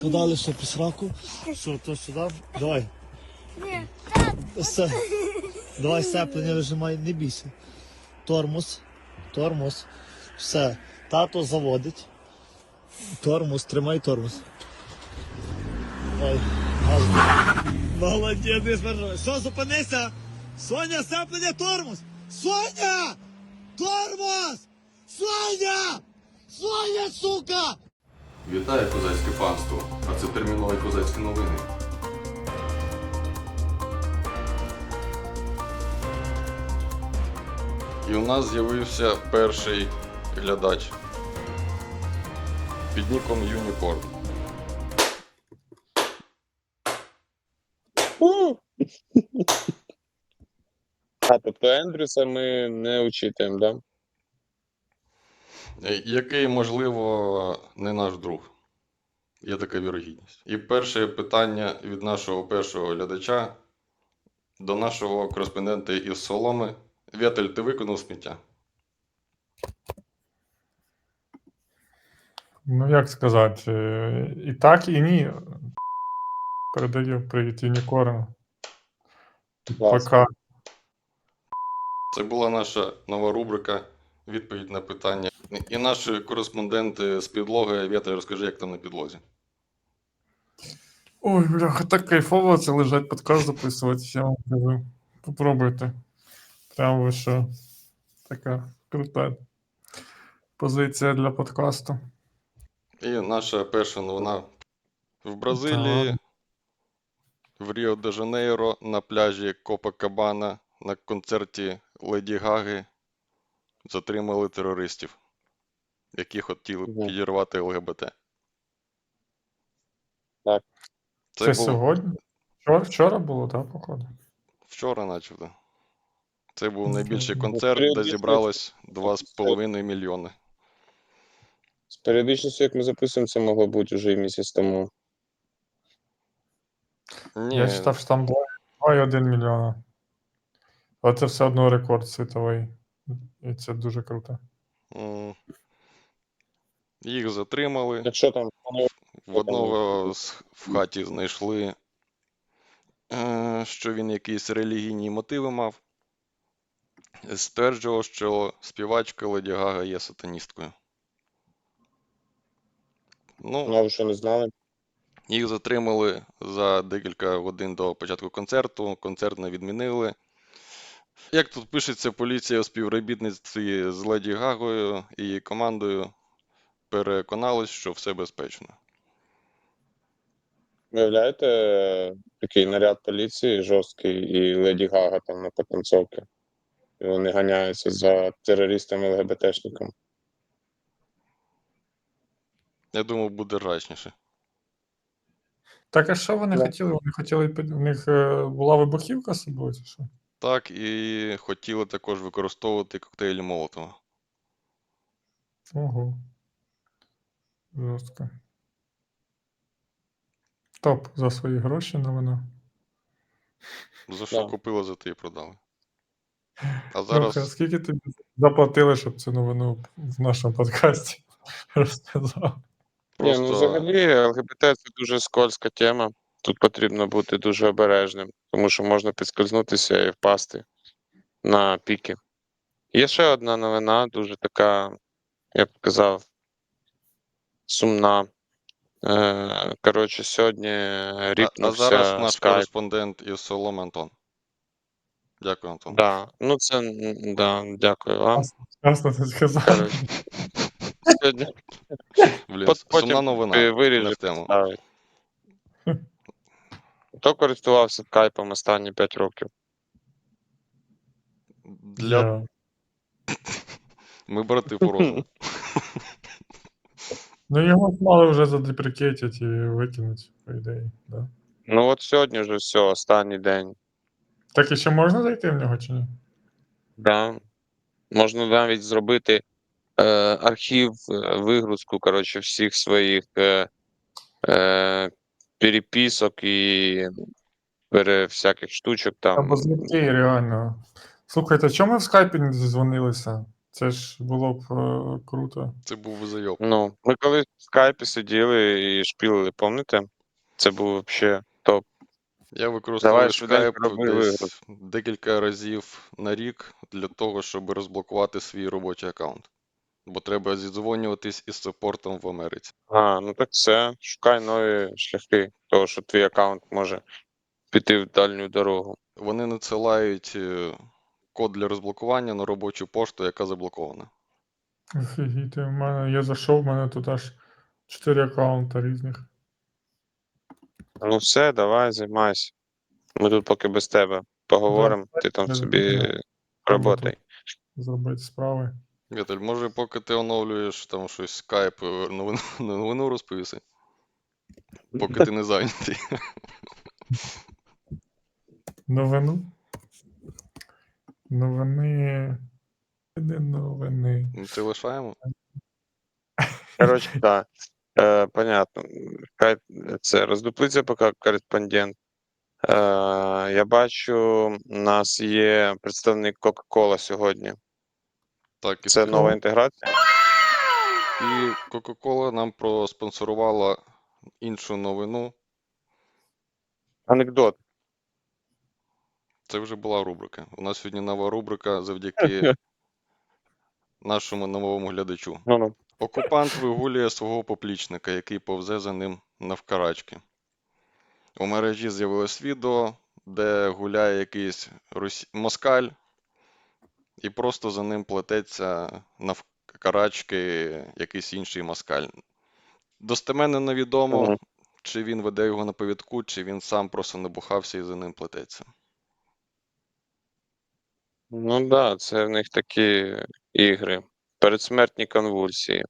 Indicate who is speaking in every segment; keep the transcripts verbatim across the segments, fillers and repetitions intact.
Speaker 1: Подали ще по сраку. Що, то сюди? Давай.
Speaker 2: Ні,
Speaker 1: Все. Давай сцеплення вижимай, не бійся. Тормоз. Тормоз. Все. Тато заводить. Тормоз, тримай тормоз. Ой, газ. Молодець, не смержай. Що, зупинися? Соня, сцеплення, тормоз! Соня! Тормоз! Соня! Соня, сука!
Speaker 3: Вітаю козацьке панство, а це термінові козацькі новини. І у нас з'явився перший глядач під ніком Юнікорн.
Speaker 4: А, тобто Ендрюса ми не учитуємо, да?
Speaker 3: Який, можливо, не наш друг. Є така вірогідність. І перше питання від нашого першого глядача до нашого кореспондента із Соломи. Вєтель, ти виконав сміття?
Speaker 5: Ну, як сказати, е, і так, і ні. Передаю привіт Юнікорну.
Speaker 4: Клас.
Speaker 5: Пока.
Speaker 3: Це була наша нова рубрика «Відповідь на питання». І наші кореспонденти з підлоги. Вєтель, розкажи, як там на підлозі.
Speaker 5: Ой, бляха, так кайфово це лежать подкаст записувати, я вам кажу. Попробуйте. Прямо ви що. Така крута позиція для подкасту.
Speaker 3: І наша перша новина. В Бразилії, в Ріо-де-Жанейро, на пляжі Копакабана, на концерті Леді Гаги затримали терористів, які хотіли
Speaker 4: Мгм.
Speaker 3: підірвати ЛГБТ.
Speaker 4: Так.
Speaker 5: Це,
Speaker 3: був
Speaker 5: сьогодні? Вчора, вчора було, так, походу?
Speaker 3: вчора, начебто. Це був
Speaker 5: Ну,
Speaker 3: найбільший
Speaker 5: ну,
Speaker 3: концерт, де
Speaker 4: періодично-
Speaker 3: зібралось два з половиною мільйони.
Speaker 4: З періодичністю, як ми записуємо, це могло бути вже і місяць тому.
Speaker 3: Ні,
Speaker 5: Я читав, що там два цілих один мільйона. Але це все одно рекорд світовий. І це дуже круто.
Speaker 3: м, їх затримали.
Speaker 4: Якщо там вони
Speaker 3: В одного з- в хаті знайшли, е, що він якісь релігійні мотиви мав. Стверджував, що співачка Леді Гага є сатаністкою. Ну,
Speaker 4: ну, ви що не знали,
Speaker 3: їх затримали за декілька годин до початку концерту. Концерт не відмінили. Як тут пишеться, поліція у співробітництві з Леді Гагою і її командою переконалась, що все безпечно.
Speaker 4: виявляєте, е, такий наряд поліції жорсткий і Леді Гага там на потанцовці. І вони ганяються за терористами ЛГБТшниками.
Speaker 3: Я думав, буде рачніше.
Speaker 5: Так, а що вони
Speaker 4: Да.
Speaker 5: хотіли? Вони хотіли, під- у них е, була вибухівка з собою, чи що?
Speaker 3: Так, і хотіли також використовувати коктейлі Молотова.
Speaker 5: Ого. Жорстко. Топ за свої гроші новина.
Speaker 3: За що
Speaker 4: Да.
Speaker 3: купили, за те і продали. А
Speaker 5: Зараз...
Speaker 3: зараз
Speaker 5: скільки тобі заплатили, щоб цю новину в нашому подкасті розказав?
Speaker 4: Ні,
Speaker 3: просто
Speaker 4: ну взагалі ЛГБТ це дуже скользка тема. Тут потрібно бути дуже обережним, тому що можна підскользнутися і впасти на піки. Є ще одна новина, дуже така, я б сказав, сумна. Е, Коротше, сьогодні
Speaker 3: а,
Speaker 4: ріпнувся
Speaker 3: а зараз наш
Speaker 4: скайп.
Speaker 3: кореспондент із Соломи Антон. Дякую, Антон.
Speaker 4: Да. Ну, це м, да, дякую вам.
Speaker 5: Ясно, ти сказав.
Speaker 4: Коротше, сьогодні
Speaker 3: Блін,
Speaker 4: Пот-
Speaker 3: сумна
Speaker 4: потім
Speaker 3: новина,
Speaker 4: ти
Speaker 3: не
Speaker 4: виріжеш,
Speaker 3: в тему.
Speaker 4: ставить. Хто користувався скайпом останні п'ять років?
Speaker 3: Для...
Speaker 5: Я.
Speaker 3: Ми брати по розуму.
Speaker 5: Ну, його мали вже задеприкетять і викинуть, по ідеї, да.
Speaker 4: Ну от сьогодні вже все, останній день.
Speaker 5: Так і ще можна зайти в нього чи ні?
Speaker 4: Да. Можна навіть зробити е, архів, е, вигрузку, коротше, всіх своїх е, е, переписок і пере, всяких штучок там.
Speaker 5: Або злітки, реально. Слухайте, чому ми в скайпі не дозвонилися? Це ж було б е, круто.
Speaker 3: Це був зайоб.
Speaker 4: Ну, ми колись в скайпі сиділи і шпілили, пам'ятаєте? Це був взагалі топ.
Speaker 3: Я використовую
Speaker 4: Давай швиденько
Speaker 3: Skype
Speaker 4: роби вигрузку.
Speaker 3: десь декілька разів на рік для того, щоб розблокувати свій робочий аккаунт. Бо треба зідзвонюватись із саппортом в Америці.
Speaker 4: А, ну так все. Шукай нові шляхи, того, що твій аккаунт може піти в дальню дорогу.
Speaker 3: Вони надсилають е, код для розблокування на робочу пошту, яка заблокована.
Speaker 5: Офігіти, в мене я зайшов, в мене тут аж чотири аккаунта різних.
Speaker 4: Ну все, давай, займайся. Ми тут поки без тебе поговоримо, ти там
Speaker 5: я
Speaker 4: собі
Speaker 5: зрозумів.
Speaker 4: роботай.
Speaker 5: Зробити справи.
Speaker 3: Віталь, може, поки ти оновлюєш там щось Skype, е, новину, новину розповіси? Поки ти не зайнятий.
Speaker 5: Новину. Новини. Не новини.
Speaker 3: Ну, Це лишаємо?
Speaker 4: Коротше, так. Е, понятно. Хай це роздуплиться поки кореспондент. Е, я бачу, у нас є представник Coca-Cola сьогодні.
Speaker 3: Так, і
Speaker 4: Це
Speaker 3: скажу.
Speaker 4: нова інтеграція.
Speaker 3: І Coca-Cola нам проспонсорувала іншу новину.
Speaker 4: Анекдот.
Speaker 3: Це вже була рубрика. У нас сьогодні нова рубрика завдяки нашому новому глядачу.
Speaker 4: Ну, ну.
Speaker 3: Окупант вигулює свого поплічника, який повзе за ним навкарачки. У мережі з'явилось відео, де гуляє якийсь росі... москаль і просто за ним плететься навкарачки якийсь інший москаль. Достеменно невідомо,
Speaker 4: Мгм.
Speaker 3: чи він веде його на повідку, чи він сам просто набухався і за ним плететься.
Speaker 4: Ну так, да, це в них такі ігри. Передсмертні конвульсії.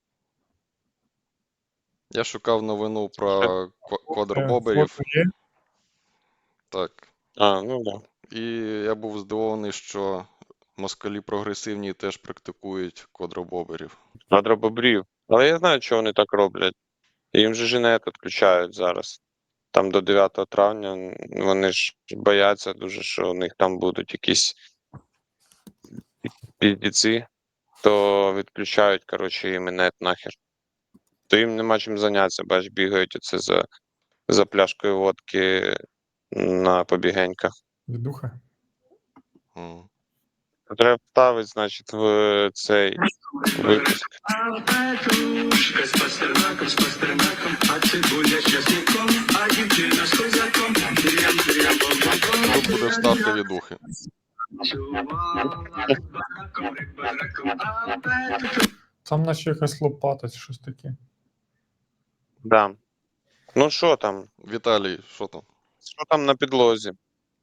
Speaker 3: Я шукав новину про ква-
Speaker 5: Е,
Speaker 3: квадробоберів,
Speaker 5: фото є?
Speaker 3: так,
Speaker 4: А, ну так. Да.
Speaker 3: і я був здивований, що москалі прогресивні теж практикують квадробоберів.
Speaker 4: Квадробобрів. Але я знаю, чого вони так роблять. Їм же женет відключають зараз. Там до дев'ятого травня м, вони ж бояться дуже, що у них там будуть якісь піздіці, то відключають, коротше, їм інет нахер. То їм нема чим зайнятися, бач, бігають оце за, за пляшкою водки на побігеньках.
Speaker 5: Відуха.
Speaker 3: М.
Speaker 4: Треба вставити, значить, в цей випуск.
Speaker 2: Петрушка з пастернаком, з пастернаком, а цибуля з часником, а дівчина з козаком. Трям, трям, бом-бом-бом.
Speaker 3: Тут буде вставка від ухи.
Speaker 2: Чувала з бараком, рик бараком, а Петрушка.
Speaker 5: Там наче якась лопата чи щось таке.
Speaker 4: Да. Ну що там?
Speaker 3: Віталій, що там?
Speaker 4: Що там на підлозі?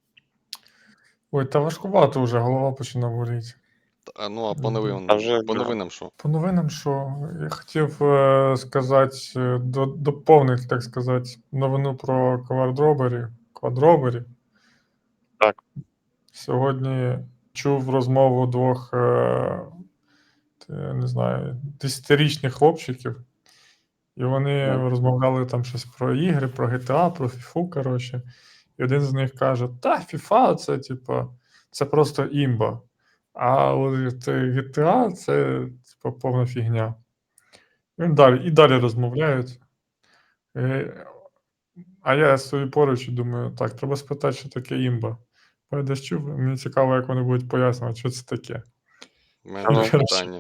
Speaker 5: Ой, та важкувато вже, голова починає боліти.
Speaker 3: А, ну, а по новинам,
Speaker 4: А вже,
Speaker 3: по
Speaker 4: да.
Speaker 3: новинам що?
Speaker 5: По новинам, що я хотів е, сказати, е, до, доповнити, так сказати, новину про квадроберів. Квадроберів.
Speaker 4: Так.
Speaker 5: Сьогодні чув розмову двох, е, те, не знаю, десятирічних хлопчиків, і вони
Speaker 4: Мгм.
Speaker 5: розмовляли там щось про ігри, про джі ті ей, про фіфу, коротше. І один з них каже: та, FIFA це, типа, це просто імба. А от це джі ті ей це типа повна фігня. І він далі, і далі розмовляють. Е, А я стою поруч і думаю, так, треба спитати, що таке імба. Бо я десь чув, мені цікаво, як вони будуть пояснювати, що це таке.
Speaker 3: У мене теж
Speaker 5: Коротше.
Speaker 3: питання.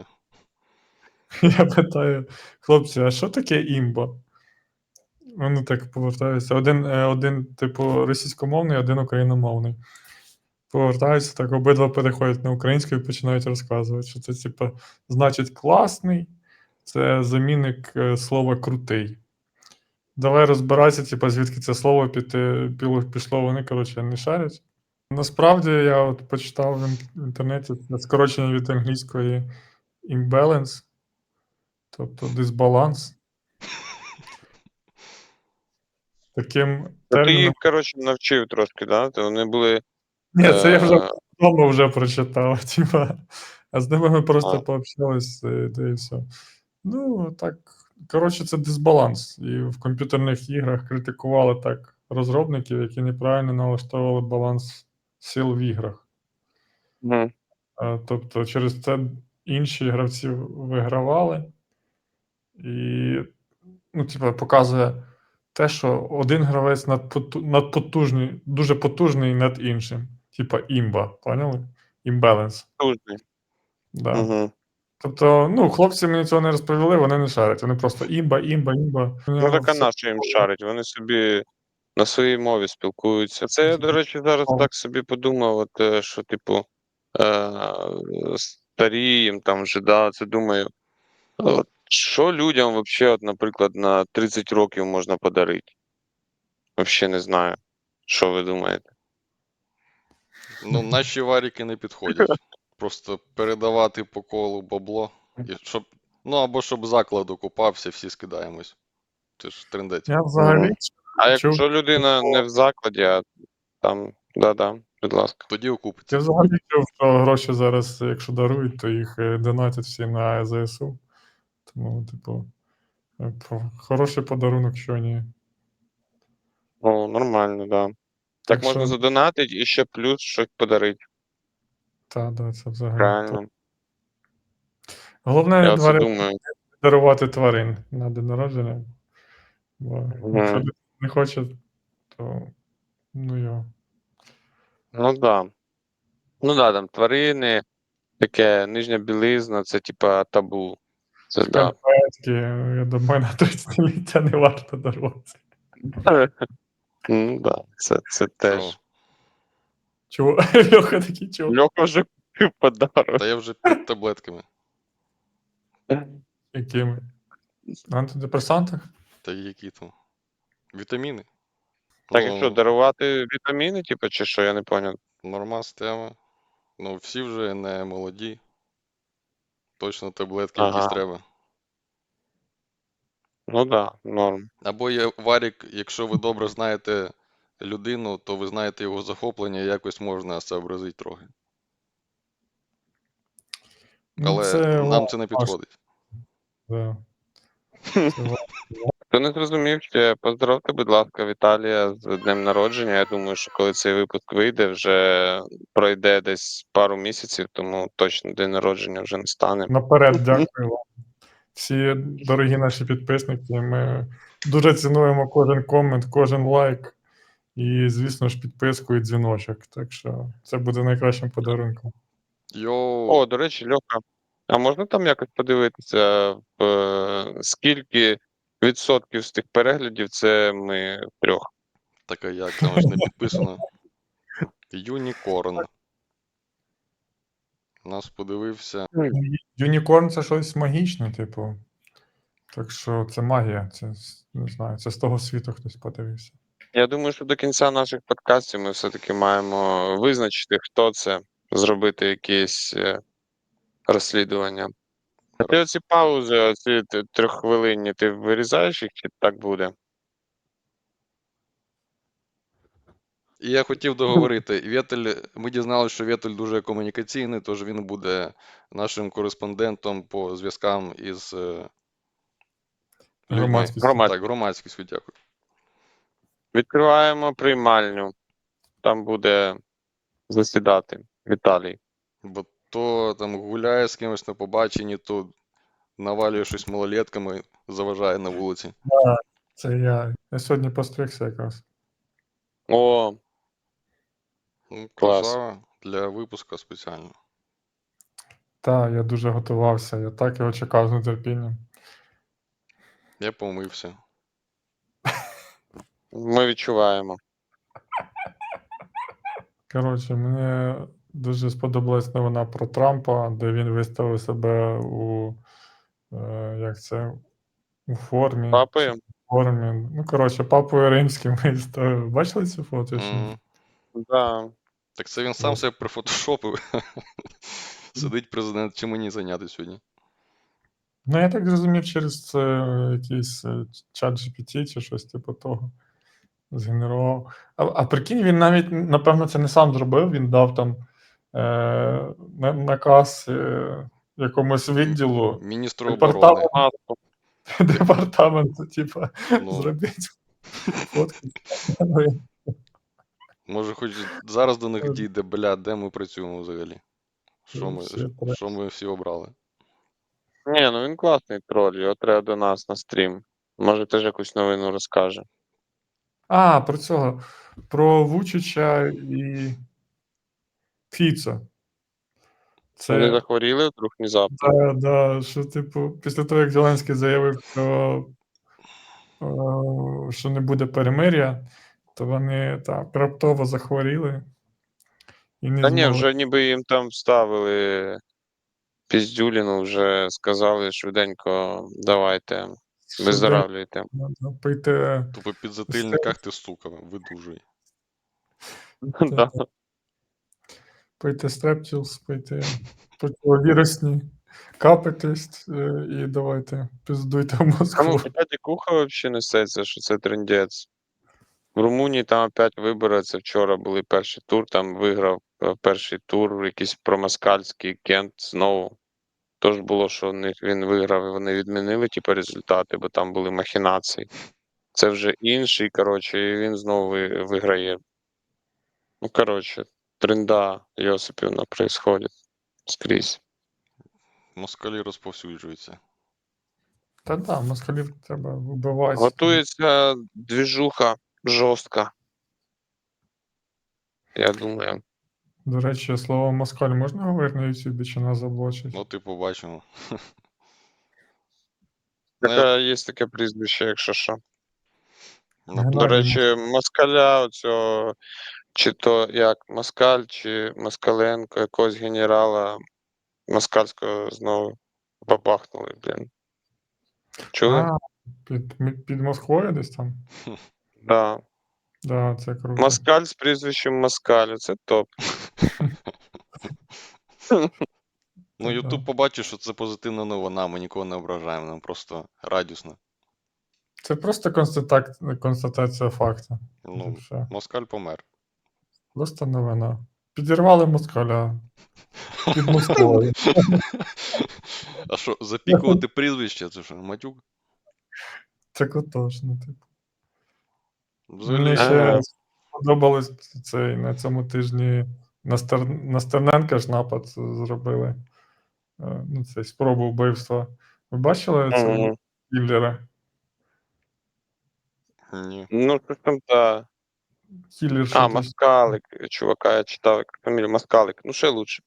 Speaker 5: Я питаю, хлопці, а що таке імба? Вони так повертаються. Один, е, один, типу, російськомовний, один україномовний. Повертаються, так обидва переходять на українську і починають розказувати, що це, типу, значить класний, це замінник е, слова крутий. Давай розбиратися, типу, звідки це слово піти, піло- пішло, вони, коротше, не шарять. Насправді, я от почитав в ін- в інтернеті це скорочення від англійської imbalance, тобто дисбаланс. Таким
Speaker 4: Ну, ти
Speaker 5: терміном.
Speaker 4: їх, коротше, навчив трошки, да? То вони були.
Speaker 5: Ні, це я вже
Speaker 4: е,
Speaker 5: вдома вже прочитав, типа. А з ними ми просто
Speaker 4: А.
Speaker 5: пообщались, е, да і все. Ну, так, коротше, це дисбаланс. І в комп'ютерних іграх критикували так розробників, які неправильно налаштовували баланс сил в іграх.
Speaker 4: Мгм.
Speaker 5: Е, Тобто через це інші гравці вигравали. І, ну, типу, показує те, що один гравець надпоту- надпотужний, дуже потужний над іншим. Типа імба, поняли? Імбаланс.
Speaker 4: Тужний.
Speaker 5: Да.
Speaker 4: Угу.
Speaker 5: Тобто, ну, хлопці мені цього не розповіли, вони не шарять. Вони просто імба, імба, імба.
Speaker 4: Ну так а на що їм шарить? Вони собі на своїй мові спілкуються. Це я, до речі, зараз так собі подумав, от, е, що, типу, е, старієм там вже, да, це думаю. От, що людям взагалі, от, наприклад, на тридцять років можна подарити? Взагалі не знаю. Що ви думаєте?
Speaker 3: Ну, наші варіки не підходять. Просто передавати по колу бабло. І щоб, ну або щоб заклад окупався, всі скидаємось. Це ж трендець.
Speaker 5: Я взагалі
Speaker 4: Мгм. А
Speaker 5: чув,
Speaker 4: якщо людина не в закладі, а там, да-да, будь ласка.
Speaker 3: Тоді
Speaker 5: я
Speaker 3: окупиться.
Speaker 5: взагалі чув, що гроші зараз, якщо дарують, то їх е, донатять всі на ЗСУ. Тому, типу, е, про- хороший подарунок, що ні.
Speaker 4: О, нормально, да.
Speaker 5: Так
Speaker 4: Так можна
Speaker 5: що,
Speaker 4: задонатити і ще плюс щось подарити.
Speaker 5: та, да, це взагалі. топ.
Speaker 4: Правильно.
Speaker 5: Головне
Speaker 4: Я оце
Speaker 5: тварин,
Speaker 4: думаю.
Speaker 5: дарувати тварин на день народження. Бо якщо
Speaker 4: Мгм.
Speaker 5: людина не хоче, то ну його.
Speaker 4: Ну да. Ну да, там тварини, таке нижня білизна, це типа табу. Це да.
Speaker 5: Скальпетки, я думаю, на тридцятиліття не варто дарувати.
Speaker 4: Ну да, це, це теж.
Speaker 3: Чого?
Speaker 5: Чого? Льоха такий чого?
Speaker 4: Льоха вже купив подарок.
Speaker 3: Та я вже під таблетками.
Speaker 5: Якими? На антидепресантах?
Speaker 3: Та які там? Вітаміни.
Speaker 4: Так, і що,
Speaker 3: Ну,
Speaker 4: дарувати вітаміни, типу, чи що, я не поняв.
Speaker 3: нормас тема. Ну, всі вже не молоді. Точно таблетки
Speaker 4: Ага.
Speaker 3: якісь треба.
Speaker 4: Ну да, норм.
Speaker 3: Або є варік, якщо ви добре знаєте людину, то ви знаєте його захоплення, якось можна сообразити трохи.
Speaker 5: Ну,
Speaker 3: Але
Speaker 5: це
Speaker 3: нам
Speaker 5: важко,
Speaker 3: це не підходить.
Speaker 5: да. Це важко.
Speaker 4: Хто не зрозумів, ще поздоровте, будь ласка, Віталія з днем народження. Я думаю, що коли цей випуск вийде, вже пройде десь пару місяців, тому точно день народження вже не стане.
Speaker 5: Наперед дякую вам. Всі дорогі наші підписники. Ми дуже цінуємо кожен комент, кожен лайк. І, звісно ж, підписку і дзвіночок. Так що це буде найкращим подарунком.
Speaker 3: Йоу,
Speaker 4: О, до речі, Льоха, а можна там якось подивитися, в, е, скільки відсотків з тих переглядів це ми трьох?
Speaker 3: така як там ж не підписано. Юнікорн. Нас подивився.
Speaker 5: Юнікорн це щось магічне, типу. Так що це магія. Це не знаю, це з того світу хтось подивився.
Speaker 4: Я думаю, що до кінця наших подкастів ми все-таки маємо визначити, хто це, зробити якесь е, розслідування. А ти оці паузи, оці т- трьоххвилинні, ти вирізаєш їх, чи так буде?
Speaker 3: І я хотів договорити. Вєтель, ми дізналися, що Вєтель дуже комунікаційний, тож він буде нашим кореспондентом по зв'язкам із е, людьми.
Speaker 5: Громадськістю.
Speaker 4: Громад.
Speaker 3: Так, громадськістю, дякую.
Speaker 4: Відкриваємо приймальню. Там буде засідати Віталій.
Speaker 3: Бо то там гуляє з кимось на побаченні, то навалює щось малолетками, заважає на вулиці.
Speaker 5: Це я. Я сьогодні постригся якраз.
Speaker 4: О,
Speaker 3: Ну,
Speaker 4: Клас.
Speaker 3: красава для випуску спеціально.
Speaker 5: Так, я дуже готувався, я так його чекав з нетерпінням.
Speaker 3: Я помився.
Speaker 4: ми відчуваємо.
Speaker 5: Коротше, мені дуже сподобалась новина про Трампа, де він виставив себе у е, як це, у формі.
Speaker 4: Папою?
Speaker 5: чи в формі. Ну, коротше, папою римським виставив. Бачили цю фото? чи ні?
Speaker 3: Мгм.
Speaker 4: Да.
Speaker 3: Так це він сам
Speaker 5: Ось.
Speaker 3: себе прифотошопив. Сидить президент, чим мені зайняти сьогодні?
Speaker 5: Ну, я так зрозумів, через це якийсь е, чат джі пі ті чи щось типу того. Згенерував. А, а прикинь, він навіть, напевно, це не сам зробив, він дав там е, на- наказ е, якомусь відділу
Speaker 3: Міністру
Speaker 5: Департамент.
Speaker 3: оборони.
Speaker 4: Маску.
Speaker 5: департаменту, типа,
Speaker 3: Ну,
Speaker 5: зробіть фотки.
Speaker 3: може, хоч зараз до них дійде, бля, де ми працюємо взагалі. Що ми,
Speaker 5: Всі треба.
Speaker 3: що ми всі обрали?
Speaker 4: Ні, ну він класний троль, його треба до нас на стрім. Може теж якусь новину розкаже.
Speaker 5: А, про цього. Про Вучича і Фіцо.
Speaker 4: Вони
Speaker 5: Це
Speaker 4: захворіли вдруг внезапно.
Speaker 5: да, да, що, типу, після того, як Зеленський заявив, що, е, що не буде перемир'я, то вони так раптово захворіли і не
Speaker 4: Та ні,
Speaker 5: змогли.
Speaker 4: вже ніби їм там вставили піздюліну, вже сказали швиденько, давайте,
Speaker 5: Швиденько,
Speaker 4: виздоравлюйте.
Speaker 5: да, пийте
Speaker 3: Тупо під затильниках ти, сука, видужуй.
Speaker 4: Да.
Speaker 5: пийте стрепчілс, пийте противовірусні, капайтесь е, і давайте піздуйте в
Speaker 4: А ну,
Speaker 5: Москву.
Speaker 4: хоча дикуха взагалі несеться, що це трендець. В Румунії там опять вибори, це вчора були перший тур, там виграв е, перший тур якийсь промаскальський Кент знову. Тож було, що в них він виграв, і вони відмінили типу, результати, бо там були махінації. Це вже інший, коротше, і він знову ви- виграє. Ну, коротше, тренда Йосипівна происходить скрізь.
Speaker 3: Москалі розповсюджуються.
Speaker 5: Та да, москалів треба вбивати.
Speaker 4: Готується двіжуха жорстка. Я думаю.
Speaker 5: До речі, слово москаль можна говорити на Ютубі, чи нас заблочать?
Speaker 3: Ну, ти побачимо. Ну, я-
Speaker 4: Таке, є таке прізвище, якщо що.
Speaker 3: ну,
Speaker 5: Геннадій
Speaker 4: До речі, москаля, оцього, чи то як москаль, чи Москаленко, якогось генерала москальського знову бабахнули, блін. Чули?
Speaker 5: А, під, ми- під Москвою десь там?
Speaker 4: Да.
Speaker 5: Да, це круто.
Speaker 4: Москаль з прізвищем Москаль, це топ.
Speaker 3: Ну, Ютуб побачив, що це позитивна новина, ми нікого не ображаємо, нам просто радісно.
Speaker 5: Це просто констатак... констатація факту.
Speaker 3: Ну,
Speaker 5: Все.
Speaker 3: Москаль помер.
Speaker 5: Просто новина. Підірвали москаля під Москвою.
Speaker 3: А що, запікувати прізвище, це що, матюк?
Speaker 5: Це котошно, типу.
Speaker 3: Взагалі,
Speaker 5: Мені ще
Speaker 4: Ага.
Speaker 5: сподобалось цей на цьому тижні на, Стер... на Стерненка ж напад зробили. Е, Ну, цей спробу вбивства. Ви бачили цього
Speaker 4: Мгм.
Speaker 5: кіллера?
Speaker 3: ні.
Speaker 4: Ну, що там, та.
Speaker 5: Кіллер,
Speaker 4: А,
Speaker 5: що ти-
Speaker 4: Москалик, чувака, я читав, як фамілія Москалик. Ну, ще лучше.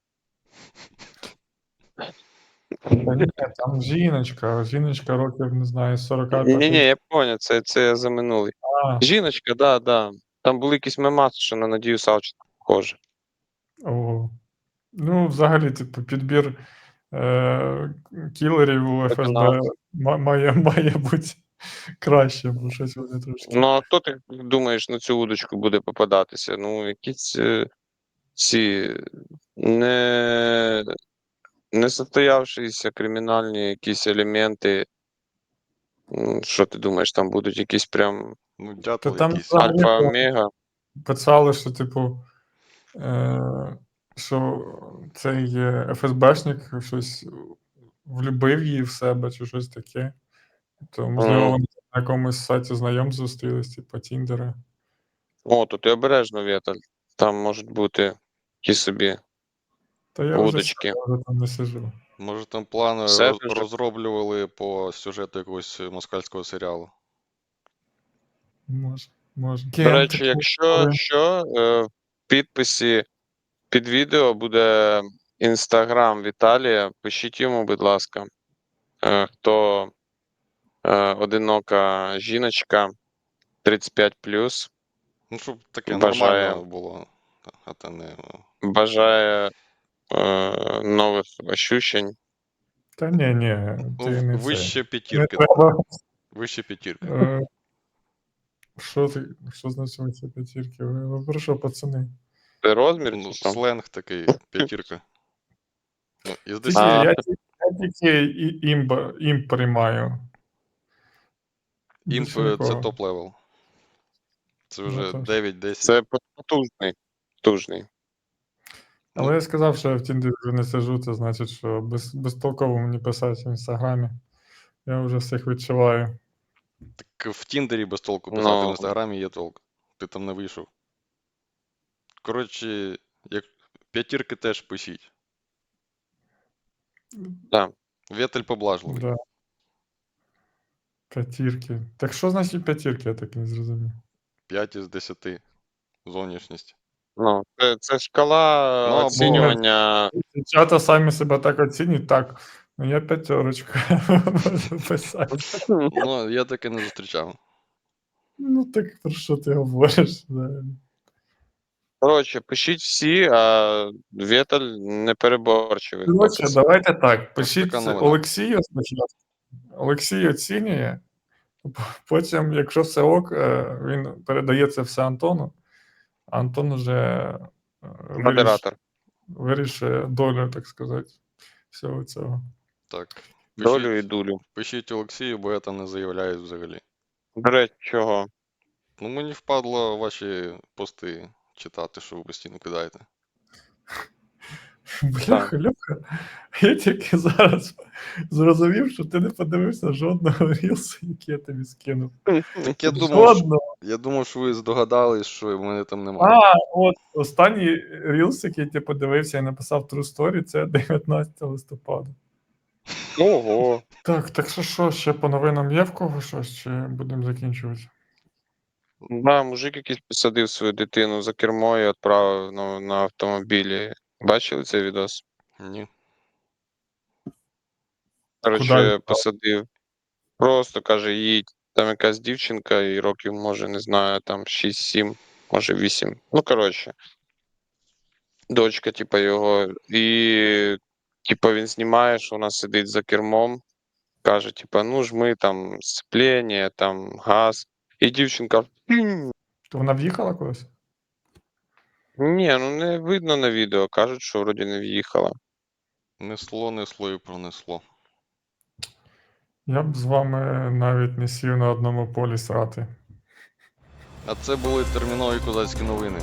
Speaker 5: Та ні, там жіночка, жіночка років, не знаю, сорок п'ять.
Speaker 4: Ні-ні, я поняв, це, це я за минулий.
Speaker 5: А,
Speaker 4: Жіночка, да, да. Там були якісь мемаси, що на Надію Савченко схоже.
Speaker 5: ого. Ну, взагалі, типу, підбір е, кілерів у еф ес бе
Speaker 4: Одинаково.
Speaker 5: ма- має, має бути краще, бо щось вони трошки.
Speaker 4: Ну, а хто ти думаєш на цю удочку буде попадатися? Ну, якісь е, ці не, не состоявшіся кримінальні якісь елементи. М, Що ти думаєш, там будуть якісь прям
Speaker 3: Ну,
Speaker 5: Та
Speaker 3: дятел
Speaker 5: там
Speaker 3: якийсь.
Speaker 5: взагалі
Speaker 4: альфа-омега?
Speaker 5: писали, що, типу, е, що цей е, еф ес бешник щось влюбив її в себе чи щось таке. То, можливо,
Speaker 4: Мгм.
Speaker 5: вони на якомусь сайті знайомств зустрілись, типу Тіндера.
Speaker 4: О, то ти обережно, Вєталь. Там можуть бути ті собі
Speaker 5: Та я вже,
Speaker 4: удочки.
Speaker 5: я вже там не сижу.
Speaker 3: Може, там плани
Speaker 4: Все
Speaker 3: роз-
Speaker 4: вже?
Speaker 3: розроблювали по сюжету якогось москальського серіалу.
Speaker 5: Може, може.
Speaker 4: До речі, якщо що, е, в підписі під відео буде інстаграм Віталія. Пишіть йому, будь ласка, е, хто е, одинока жіночка тридцять п'ять плюс,
Speaker 3: Ну, щоб таке
Speaker 4: Бажаю.
Speaker 3: нормально було. А то не.
Speaker 4: бажає е, нових ощущень.
Speaker 5: Та ні, ні, ти
Speaker 3: Ну,
Speaker 5: не
Speaker 3: вище
Speaker 5: це. Не
Speaker 3: п'ятірки.
Speaker 5: треба.
Speaker 3: Вище п'ятірки.
Speaker 5: Е, Що ти, що значить вище п'ятірки? Ви, ви про що, пацани?
Speaker 4: Це розмір
Speaker 3: Ну,
Speaker 4: чи що?
Speaker 3: сленг такий, п'ятірка. Ну, із
Speaker 5: Тільки,
Speaker 3: десяти.
Speaker 5: я, тільки- я тільки і- імб, імп приймаю.
Speaker 3: Імп
Speaker 5: Більше
Speaker 3: е, це
Speaker 5: нікого.
Speaker 3: топ-левел. Це
Speaker 5: Ну,
Speaker 3: вже
Speaker 5: тож.
Speaker 3: дев'ять-десять.
Speaker 4: Це потужний. потужний.
Speaker 5: Але
Speaker 3: Ну,
Speaker 5: я сказав, що я в Тіндері вже не сижу, це значить, що без, безтолково мені писати в інстаграмі. Я вже всіх відчуваю.
Speaker 3: так в Тіндері без толку писати, в
Speaker 4: Ну.
Speaker 3: інстаграмі є толк. Ти там не вийшов. Коротше, як п'ятірки теж пишіть. Вєтель поблажливий.
Speaker 5: Да. П'ятірки. Так що значить п'ятірки, я так і не зрозумів.
Speaker 3: п'ять із десяти. Зовнішність.
Speaker 4: Ну, це, це шкала
Speaker 3: Ну, або-
Speaker 4: оцінювання.
Speaker 5: Дівчата самі себе так оцінюють, так, ну я п'ятерочка можу писати.
Speaker 3: Ну, я таке не зустрічав.
Speaker 5: Ну так про що ти говориш взагалі?
Speaker 4: Коротше, пишіть всі, а Вєтель непереборчивий.
Speaker 5: Коротше,
Speaker 4: хлопець.
Speaker 5: давайте так. Пишіть
Speaker 3: така новина.
Speaker 5: Олексію спочатку. Олексій оцінює, потім, якщо все ок, е, він передає це все Антону, а Антон вже е, виріш-
Speaker 4: Модератор.
Speaker 5: вирішує долю, так сказати, всього цього.
Speaker 3: Так.
Speaker 4: Долю і
Speaker 3: Пишіть,
Speaker 4: дулю.
Speaker 3: пишіть Олексію, бо я там не заявляю взагалі.
Speaker 4: До речі, чого?
Speaker 3: Ну, мені впадло ваші пости читати, що ви постійно кидаєте.
Speaker 5: Бляха, Льоха, я тільки зараз зрозумів, що ти не подивився жодного рілсу, який я тобі скинув.
Speaker 3: Так я думав, що,
Speaker 5: Жодного.
Speaker 3: я думав, що ви здогадались, що в мене там немає.
Speaker 5: А, от останній рілс, який ти подивився і написав True Story, це дев'ятнадцятого листопада.
Speaker 4: Ого.
Speaker 5: Так, так що що, ще по новинам є в кого щось, чи будемо закінчувати?
Speaker 4: Да, мужик якийсь посадив свою дитину за кермо і відправив на, на автомобілі. Бачили цей відос?
Speaker 3: Ні.
Speaker 5: Куда
Speaker 4: Коротше,
Speaker 5: відправив?
Speaker 4: посадив. Просто каже, їдь. Там якась дівчинка, і років, може, не знаю, там шість-сім, може вісім. Ну, коротше. Дочка, типа, його. І, типа, він знімає, що вона сидить за кермом. Каже, типа, ну жми там сцеплення, там газ. І дівчинка. «Пім».
Speaker 5: То вона в'їхала кудись?
Speaker 4: Ні, ну не видно на відео. Кажуть, що вроді не в'їхала.
Speaker 3: Несло, несло і пронесло.
Speaker 5: Я б з вами навіть не сів на одному полі срати.
Speaker 3: А це були термінові козацькі новини.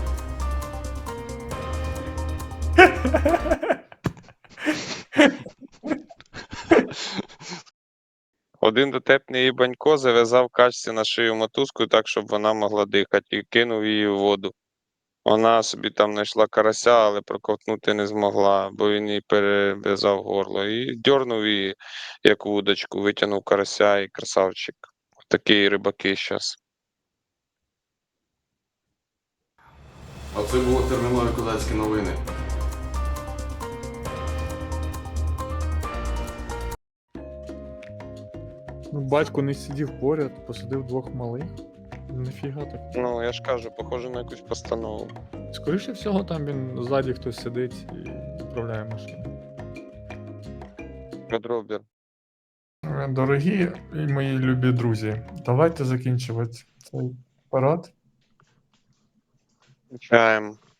Speaker 4: Один дотепний банько зав'язав качці на шию мотузку так, щоб вона могла дихати, і кинув її в воду. Вона собі там знайшла карася, але проковтнути не змогла, бо він їй перев'язав горло. І дьорнув її, як вудочку, витягнув карася і красавчик. Такі рибаки зараз.
Speaker 3: А це були термінові козацькі новини.
Speaker 5: Ну, батько не сидів поряд, посадив двох малих. Нафіга так.
Speaker 4: Ну, я ж кажу, похоже на якусь постанову.
Speaker 5: Скоріше всього, там він ззаді хтось сидить і управляє машиною.
Speaker 4: Дробір.
Speaker 5: Е, Дорогі і мої любі друзі, давайте закінчувати цей парад.
Speaker 4: Чаєм.